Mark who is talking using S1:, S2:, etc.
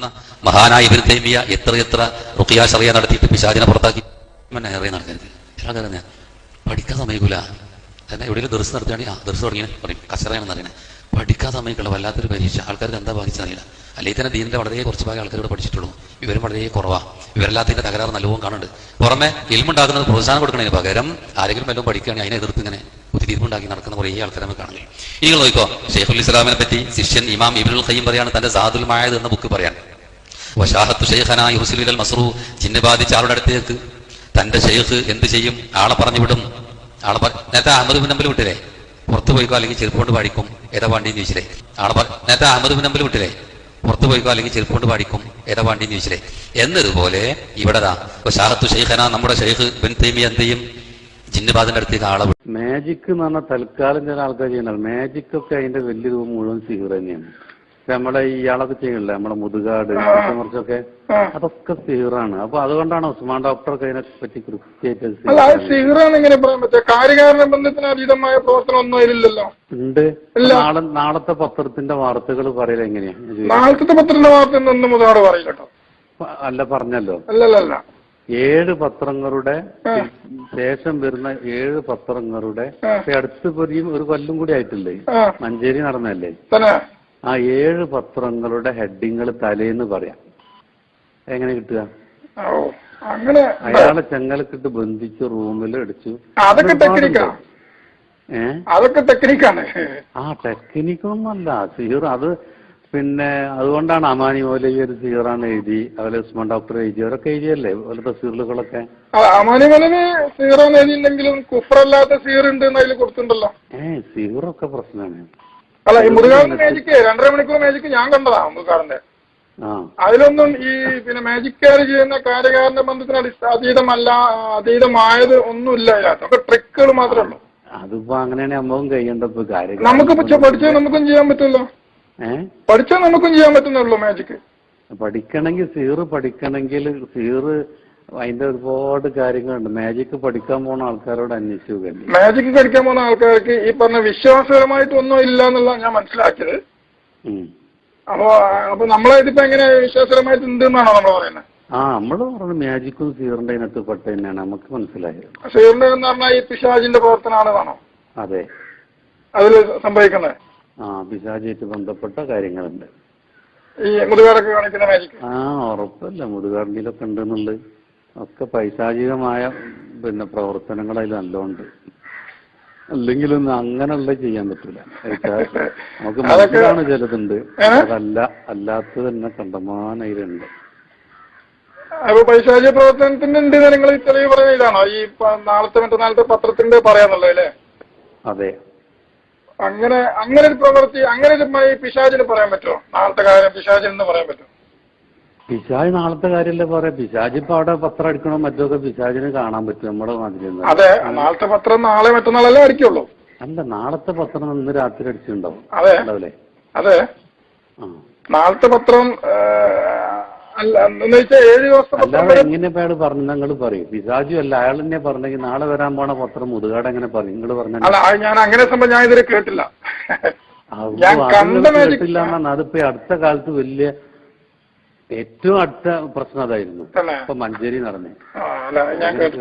S1: മഹാനായ ഇബ്നു തൈമിയ എത്ര റുഖിയ ശറിയ നടത്തിയിട്ട് പിശാചിനെ പുറത്താക്കി നടക്കരുത്. ഞാൻ പഠിക്കാൻ സമയക്കൂല. കാരണം എവിടെയെങ്കിലും ദർസ് നടത്തുകയാണെങ്കിൽ ദർസ് തുടങ്ങിയ പറയും കസറയാണെന്ന് അറിയണേ. പഠിക്കാൻ സമയക്കുള്ള വല്ലാത്തൊരു പരീക്ഷ. ആൾക്കാർക്ക് എന്താ ബാധിച്ചറിയില്ല. അല്ലെങ്കിൽ തന്നെ ദീനിന്റെ വളരെ കുറച്ച് ഭാഗം ആൾക്കാരോട് പഠിച്ചിട്ടുള്ളൂ. ഇവരും വളരെ കുറവാണ്. ഇവരെല്ലാത്തിന്റെ തകരാറ് നല്ലവും കാണുന്നുണ്ട്. പുറമെ ഇൽമുണ്ടാക്കുന്നത് പ്രോത്സാഹനം കൊടുക്കുന്നതിന് പകരം ആരെങ്കിലും വല്ലതും പഠിക്കുകയാണെങ്കിൽ അതിനെ എതിർത്ത് ഇങ്ങനെ കുത്തിരിപ്പുണ്ടാക്കി നടക്കുന്ന കുറേ ആൾക്കാരെ നമുക്ക് കാണുന്നത്. നിങ്ങൾ നോക്കിക്കോ, ഷെയ്ഖുൽ ഇസ്ലാമിനെ പറ്റി ശിഷ്യൻ ഇമാം ഇബ്നുൽ ഖയ്യിം പറയാണ് തന്റെ സാദുൽ മആദ് എന്ന ബുക്ക് പറയാൻ. വശാഹത്തു ഷെയ്ഖനാ യുർസിലു ഇലൽ മസ്റൂ, ജിന്ന് ബാധിച്ച ആളുടെ അടുത്തേക്ക് തന്റെ ഷെയ്ഖ് എന്ത് ചെയ്യും? ആളെ പറഞ്ഞു വിടും. നേരത്തെ അഹമ്മദ് ബിൻ ഹംബൽ വിട്ടില്ലേ, പുറത്തു പോയിക്കോ അല്ലെങ്കിൽ ചെരുപ്പുകൊണ്ട് പാടിക്കും ഏതാ പാണ്ടിന്ന് ചോദിച്ചില്ലേ. നേരത്തെ അഹമ്മദ് ബിൻ ഹംബൽ വിട്ടില്ലേ, പുറത്തു പോയിക്കോ അല്ലെങ്കിൽ ചെരുപ്പുകൊണ്ട് പാടിക്കും ഏതാ പാണ്ടിന്ന് ചോദിച്ചില്ലേ. എന്നതുപോലെ ഇവിടെതാ വശാഹത്തു ഷെയ്ഖനാ, നമ്മുടെ ഷെയ്ഖ് ഇബ്നു തൈമിയ എന്ത് ചെയ്യും? ജിന്നുബാദിന്റെ അടുത്തേക്ക് ആളെ വിടും.
S2: മാജിക് എന്ന് പറഞ്ഞാൽ തൽക്കാലം ചില ആൾക്കാർ ചെയ്യുന്നത്. മാജിക് ഒക്കെ അതിന്റെ വലിയ രൂപം മുഴുവൻ സിഹിർ തന്നെയാണ്. നമ്മളെ ഇയാളൊക്കെ ചെയ്യണില്ലേ, നമ്മുടെ മുതുകാട് കുറച്ചൊക്കെ, അതൊക്കെ സിഹിറാണ്. അപ്പൊ അതുകൊണ്ടാണ് ഉസ്മാൻ ഡോക്ടർക്ക് അതിനെ പറ്റി കൃത്യമായിട്ട് ഉണ്ട്. നാളത്തെ പത്രത്തിന്റെ വാർത്തകൾ പറയല എങ്ങനെയാ?
S3: നാളത്തെ പത്രത്തിന്റെ വാർത്ത
S2: അല്ല പറഞ്ഞല്ലോ, 7 പത്രങ്ങളുടെ ശേഷം വരുന്ന 7 പത്രങ്ങളുടെ അടുത്ത് ഒരു കൊല്ലം കൂടി ആയിട്ടില്ലേ, മഞ്ചേരി നടന്നല്ലേ, ആ 7 പത്രങ്ങളുടെ ഹെഡിങ്ങൾ തലേന്ന് പറയാം. എങ്ങനെ കിട്ടുക? അയാളെ ചെങ്ങലക്കിട്ട് ബന്ധിച്ച് റൂമിൽ അടിച്ചു.
S3: അതൊക്കെ ടെക്നിക്കാണ്.
S2: ആ ടെക്നിക്കൊന്നുമല്ല സിഹിർ. അത് പിന്നെ അതുകൊണ്ടാണ് അമാനി മൗലവി ഒരു സിഹിറാണ് എഴുതി, അതുപോലെ ഉസ്മാൻ ഡോക്ടർ എഴുതിയവരൊക്കെ എഴുതിയല്ലേ ഓരോ തഫ്സീറുകളൊക്കെ.
S3: അമാനി മൗലവി സിഹിറാണ് എഴുതിയില്ലെങ്കിലും കുഫറല്ലാത്ത സിഹിർ ഉണ്ട് അതിൽ കൊടുത്തിട്ടുണ്ടല്ലോ.
S2: സിഹിറൊക്കെ പ്രശ്നമാണ്.
S3: അല്ല, ഈ മുരുകാറിന്റെ മാജിക്ക് 2.5 മണിക്കൂർ മാജിക്ക് ഞാൻ കണ്ടതാ. മുരുകാറിന്റെ അതിലൊന്നും ഈ പിന്നെ മാജിക്കാർ ചെയ്യുന്ന കാര്യകാരന്റെ ബന്ധത്തിന് അതീതമായത് ഒന്നുമില്ല. അതിനകത്തൊക്കെ ട്രിക്കുകൾ മാത്രമേ ഉള്ളൂ.
S2: അതിപ്പോ അങ്ങനെയാണ് നമ്മളും കഴിയേണ്ടപ്പോ കാര്യം.
S3: നമുക്ക് പഠിച്ചാൽ നമുക്കും ചെയ്യാൻ പറ്റുമല്ലോ. പഠിച്ചാൽ നമുക്കും ചെയ്യാൻ പറ്റുന്നുള്ളൂ മാജിക്ക്.
S2: പഠിക്കണമെങ്കിൽ പഠിക്കണമെങ്കിൽ അതിന്റെ ഒരുപാട് കാര്യങ്ങളുണ്ട്. മാജിക് പഠിക്കാൻ പോകുന്ന ആൾക്കാരോട് അന്വേഷിച്ചു.
S3: മാജിക് പഠിക്കാൻ പോകുന്ന ആൾക്കാർക്ക് ഈ പറഞ്ഞ വിശ്വാസപരമായിട്ട് ഒന്നും ഇല്ല എന്നുള്ള ഞാൻ മനസ്സിലാക്കിയത്. അപ്പൊ നമ്മളായിട്ടിപ്പോ എങ്ങനെ വിശ്വാസപരമായിട്ട് ഉണ്ട് എന്നാണോ നമ്മൾ പറയുന്നത്?
S2: നമ്മള് പറഞ്ഞു മാജിക്കും സിഹിറിന്റെ അതിനകത്ത് പെട്ട തന്നെയാണ് നമുക്ക് മനസ്സിലായത്.
S3: സിഹിറിന്റെ എന്ന് പറഞ്ഞാൽ ഈ പിശാചിന്റെ പ്രവർത്തനമാണെന്നാണോ?
S2: അതെ,
S3: അതില് സംഭവിക്കുന്നത്.
S2: പിശാചായിട്ട് ബന്ധപ്പെട്ട കാര്യങ്ങളുണ്ട്
S3: ഈ മുതുകാടൊക്കെ കാണിക്കുന്ന മാജിക്.
S2: ഉറപ്പല്ല മുതുകാടിലൊക്കെ ഉണ്ടെന്നുള്ളത്. ഒക്കെ പൈശാചികമായ പിന്നെ പ്രവർത്തനങ്ങൾ അതിൽ നല്ലോണ്ട്. അല്ലെങ്കിലൊന്നും അങ്ങനെയുള്ള ചെയ്യാൻ പറ്റൂല. നമുക്ക് മനസ്സിലാണ് ചിലതുണ്ട്, അല്ലാത്തത് തന്നെ കണ്ടമാനയിലുണ്ട്.
S3: അപ്പൊ പൈശാചിക പ്രവർത്തനത്തിന്റെ ഉണ്ട് നിങ്ങൾ തെളിവ് പറയുന്ന ഇതാണോ ഈ മറ്റന്നാളത്തെ പത്രത്തിന്റെ പറയാന്നുള്ളത് അല്ലേ?
S2: അതെ.
S3: അങ്ങനെ ഒരു പ്രവൃത്തി, അങ്ങനെ ഒരു പിശാചിന് പറയാൻ പറ്റുമോ? നാളത്തെ കാര്യം പിശാചിന് പറയാൻ പറ്റുമോ?
S2: പിശാജ് നാളത്തെ കാര്യമല്ലേ പറയാം. പിശാജ് ഇപ്പൊ അവിടെ പത്രം അടിക്കണോ മറ്റൊക്കെ പിശാജിന് കാണാൻ പറ്റും നമ്മുടെ മാതിരി.
S3: അതെ, നാളത്തെ പത്രം നാളെ മറ്റന്നാളല്ലേ അടിക്കുള്ളൂ.
S2: അല്ല, നാളത്തെ പത്രം ഇന്ന് രാത്രി അടിച്ചിട്ടുണ്ടാവും.
S3: അതെ അതെ, നാളത്തെ പത്രം അല്ലാതെ
S2: എങ്ങനെ അയാൾ പറഞ്ഞു? നിങ്ങൾ പറയും പിശാജു അല്ല, അയാൾ തന്നെ പറഞ്ഞെങ്കിൽ നാളെ വരാൻ പോണ പത്രം മുതുകാട് എങ്ങനെ പറയും? നിങ്ങൾ പറഞ്ഞു.
S3: ഞാൻ അങ്ങനെ സംഭവം ഞാൻ ഇതിൽ കേട്ടില്ല.
S2: കേട്ടില്ല എന്നാണ്. അതിപ്പോ അടുത്ത കാലത്ത് വലിയ ഏറ്റവും അടുത്ത പ്രശ്നം അതായിരുന്നു. ഇപ്പൊ മഞ്ചേരി നടന്നേ.